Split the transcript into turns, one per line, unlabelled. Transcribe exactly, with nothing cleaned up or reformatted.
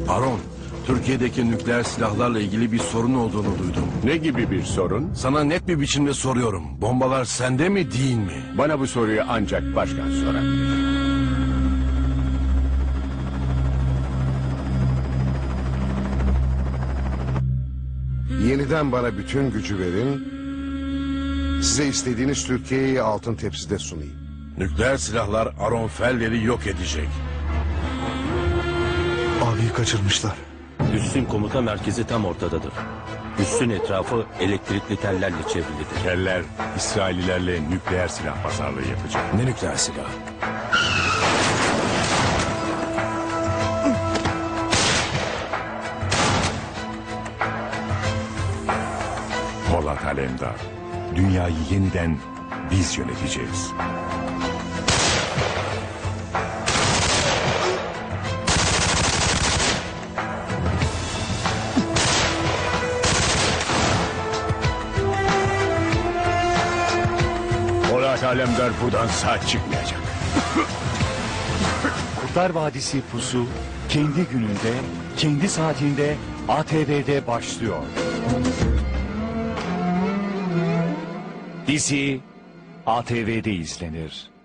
Aron, Türkiye'deki nükleer silahlarla ilgili bir sorun olduğunu duydum.
Ne gibi bir sorun?
Sana net bir biçimde soruyorum. Bombalar sende mi değil mi?
Bana bu soruyu ancak başkan sorabilir.
Yeniden bana bütün gücü verin. Size istediğiniz Türkiye'yi altın tepside sunayım.
Nükleer silahlar Aron Feller'i yok edecek.
Abiyi kaçırmışlar.
Üssün komuta merkezi tam ortadadır. Üssün etrafı elektrikli tellerle çevrilidir.
Teller İsraillilerle nükleer silah pazarlığı yapacak.
Ne nükleer silah?
Polat Alemdar. Dünyayı yeniden biz yöneteceğiz. Polat Alemdar buradan sağ çıkmayacak.
Kurtlar Vadisi Pusu kendi gününde, kendi saatinde A T V'de başlıyor. Dizi A T V'de izlenir.